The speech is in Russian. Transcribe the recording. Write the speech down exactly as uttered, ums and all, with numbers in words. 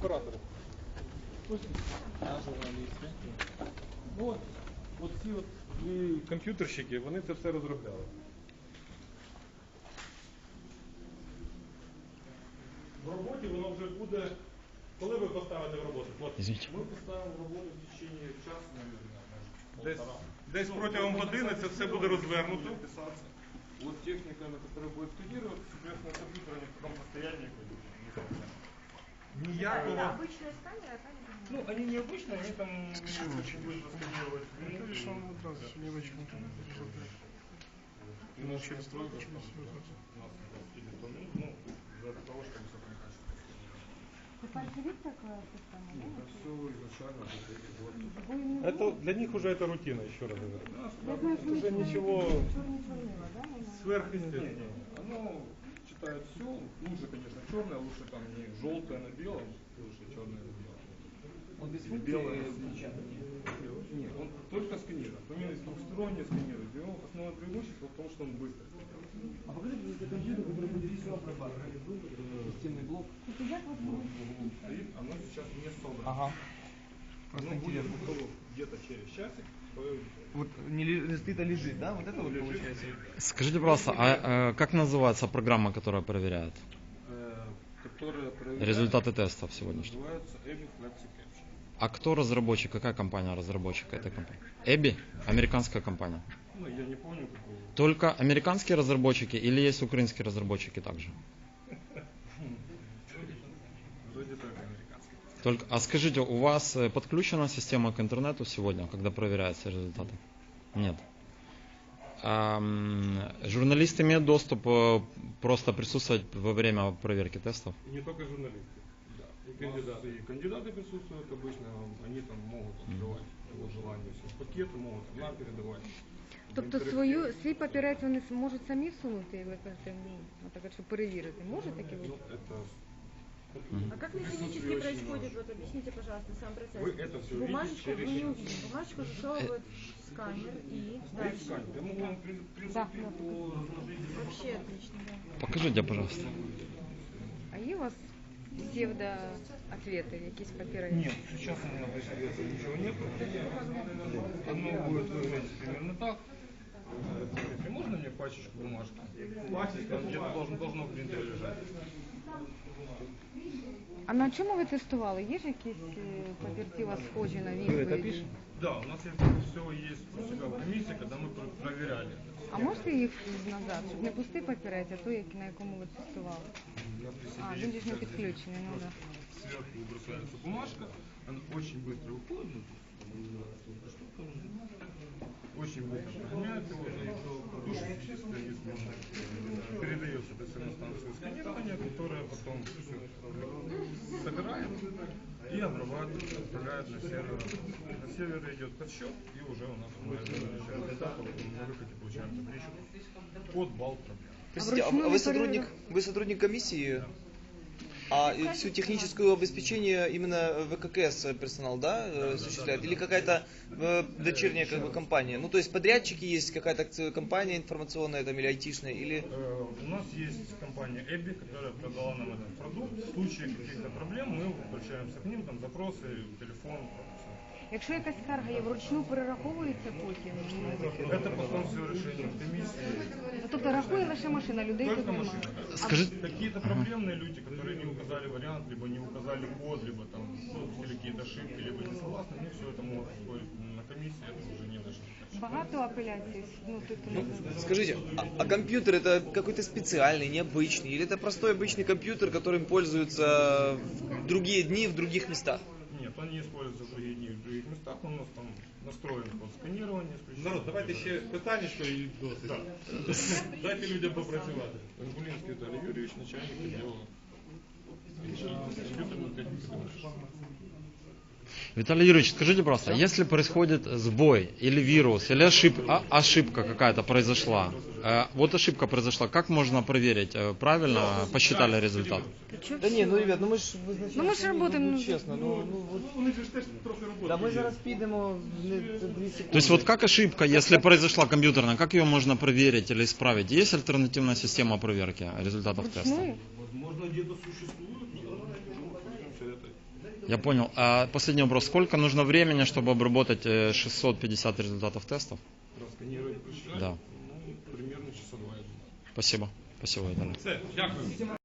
оператори. Ну, от, от ці от і комп'ютерщики, вони це все розробляли. В роботі воно вже буде, коли ви поставите в роботу? Извините. Ми поставимо в роботу в течение часу, десь, десь протягом години це все буде розвернуто. Вот техника, которая будет сканировать, соответственно, компьютер они в таком состоянии. Никакого... Это обычная сканер, а там... Ну, они необычные, они там очень быстро сканировать. Ну, видишь, он вот раз, мелочку. И наш через стройку, через ну, для того, чтобы все Живит такая система, да? Это все изначально. Это для них уже это рутина, еще раз говорю. Я знаю, что уже ничего черно-черного, да? сверхъестественного. Оно читает все. Лучше, конечно, черное, лучше там не желтое на белом, лучше черное на белом. Он без белое печатания? Нет, он только сканирует. Он именно двухсторонне сканирует. Его основное преимущество в том, что он быстро. А покажите мне это компьютер, который будет все обрабатывать. Системный блок. Стоит, оно сейчас не собрано. Ага. Оно будет готово где-то через часик. Вот не лежит, а лежит, да? Вот это вот получается. Скажите, пожалуйста, а, а как называется программа, которая проверяет Э, которая проверяет результаты тестов сегодняшних? Называется Эбби Flexi Capture. А кто разработчик? Какая компания разработчик этой компании? Эбби? Американская компания. Ну, я не помню какого. Только американские разработчики или есть украинские разработчики также? Вроде так, американский. Только, а скажите, у вас э, подключена система к интернету сегодня, когда проверяются результаты? Нет. А, м, журналист имеет доступ э, просто присутствовать во время проверки тестов? Не только журналисты. Да. И кандидаты. И кандидаты присутствуют обычно, они там могут открывать его желание, все пакеты могут нам передавать. Тобто свою, свій папірець вони можуть самі всунути, і ви кажете, ну, наприклад, щоб перевірити. Може таке бути? Ну, это... А как механически происходит, вот объясните, пожалуйста, сам процесс? Вы это все Бумажечку видите мы не через... увидим. Бумажечку засовывают в сканер и Стоит дальше. сканер. Я могу вам, в принципе, Да. Вообще отлично, да. Покажите, пожалуйста. А є у вас псевдоответи, якісь папірець? Нет, сейчас у меня присутствует ничего нет. Оно будет выглядеть примерно так. Смотрите, можно мне пачечку бумажки? Пачечка где-то должно, должно в принтере лежать. А на чому ви тестували? Є ж якісь е, папірці у вас схожі на відповіді? Да, у нас есть, все есть у себя в комиссии, когда мы про- проверяли. А можете їх назад, щоб не пустий папірець, а той, на якому ви тестували? Я при себе А, есть він ж не сейчас підключений, ну да. сверху бросается бумажка, она очень быстро выходит. Эта штука очень быстро прогоняет его, и душный специалист передается до станцию сканирования, которая потом все собирает и обрабатывает, отправляет на сервер. На сервере идет подсчет, и уже у нас результат, на выходе получаем табличку под балл проблем. Простите, а вручную вы не сотрудник, проверяли? вы сотрудник комиссии? А и всю техническую обеспечение именно ВККС персонал, да, э, осуществляет? Или какая-то э, дочерняя как бы компания? Ну, то есть подрядчики есть, какая-то компания информационная там, или айтишная, или... Э, У нас есть компания Эбби, которая продала нам этот продукт. В случае каких-то проблем мы обращаемся к ним, там запросы, телефон. Якщо якась скарга є, вручну перераховується потім? Это потом все решение в комиссии. Ну, тобто рахує лише машина, людей тут Только немає. машина. Скажите, Какие-то проблемные люди, которые не указали вариант, либо не указали код, либо там ну, какие-то ошибки, либо не согласны, ну все это могут ускорить на комиссии, это уже не наша задача. Багато апеляцій? Ну, тобто, Ну, скажите, а, а компьютер это какой-то специальный, необычный? Или это простой обычный компьютер, которым пользуются в другие дни в других местах? Нет, он не используется в других дней, в других местах, он у нас там настроен под сканирование. Народ, давайте ще питаннячко і досить. Да. Дайте людям попрацювати. Гулинский Виталий Юрьевич, начальник отдела. Виталий Юрьевич, скажите, пожалуйста, если происходит сбой или вирус, или ошибка, ошибка какая-то произошла, э, вот ошибка произошла, как можно проверить, э, правильно посчитали результат? Да не, ну ребят, ну мы ж вы Ну, ми ж работаємо, ну, ну, чесно, ну, ну вот. Вони ж теж трохи роботи. Да мы є. зараз підемо не дві секунди. То есть вот как ошибка, если произошла компьютерная, как ее можно проверить или исправить? Есть альтернативная система проверки результатов теста? вручную? Возможно, где-то существует, но все это Я понял. А последний вопрос. Сколько нужно времени, чтобы обработать э, шестьсот пятьдесят результатов тестов? Просканировать, посчитать, Да. ну, примерно часа два. Спасибо. Спасибо, Виталий. Все, дякую.